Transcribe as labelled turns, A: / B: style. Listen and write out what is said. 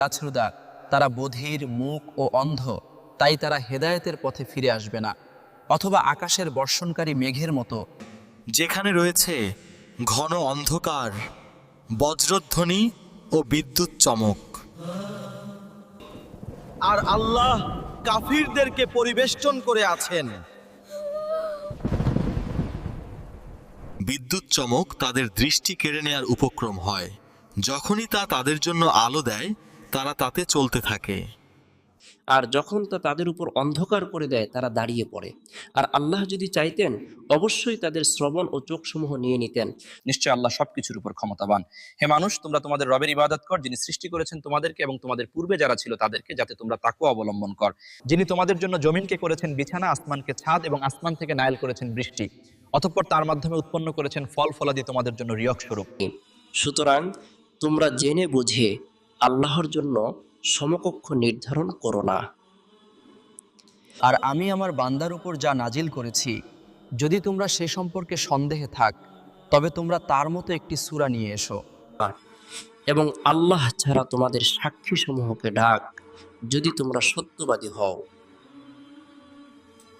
A: গাছরুদা, তারা বধির, মূক ও অন্ধ, তাই তারা হেদায়েতের পথে ফিরে আসবে না। অথবা আকাশের বর্ষণকারী মেঘের মতো,
B: যেখানে রয়েছে ঘন অন্ধকার, বজ্রধ্বনি ও বিদ্যুৎ চমক।
C: আর আল্লাহ কাফিরদেরকে পরিবেষ্টন করে আছেন।
B: বিদ্যুৎ চমক তাদের দৃষ্টি কেড়ে নেয়ার উপক্রম হয়। যখনই তা তাদের জন্য আলো দেয়, তারা তাতে চলতে থাকে।
D: আর যখন তা তাদের উপর অন্ধকার করে দেয়, তারা দাঁড়িয়ে পড়ে। আর আল্লাহ যদি চাইতেন, অবশ্যই তাদের শ্রবণ ও চোখসমূহ নিয়ে নিতেন।
A: নিশ্চয় আল্লাহ সবকিছুর উপর ক্ষমতাবান। হে মানুষ, তোমরা তোমাদের রবের ইবাদত কর, যিনি সৃষ্টি করেছেন তোমাদেরকে এবং তোমাদের পূর্বে যারা ছিল তাদেরকে, যাতে তোমরা তাকওয়া অবলম্বন কর। যিনি তোমাদের জন্য জমিনকে করেছেন বিছানা, আসমানকে ছাদ এবং আসমান থেকে নাইল করেছেন বৃষ্টি, অতঃপর তার মাধ্যমে উৎপন্ন করেছেন ফল ফলাদি তোমাদের জন্য রিয়ক স্বরূপ।
D: সুতরাং তোমরা জেনে বুঝে আল্লাহর জন্য সমকক্ষ নির্ধারণ করো না।
A: আর আমি আমার বান্দার উপর যা নাজিল করেছি, যদি তোমরা সে সম্পর্কে সন্দেহে থাক, তবে তোমরা তার মতো একটি সূরা নিয়ে এসো।
D: এবং আল্লাহ ছাড়া তোমাদের সাক্ষী সমূহকে ডাক, যদি তোমরা সত্যবাদী হও।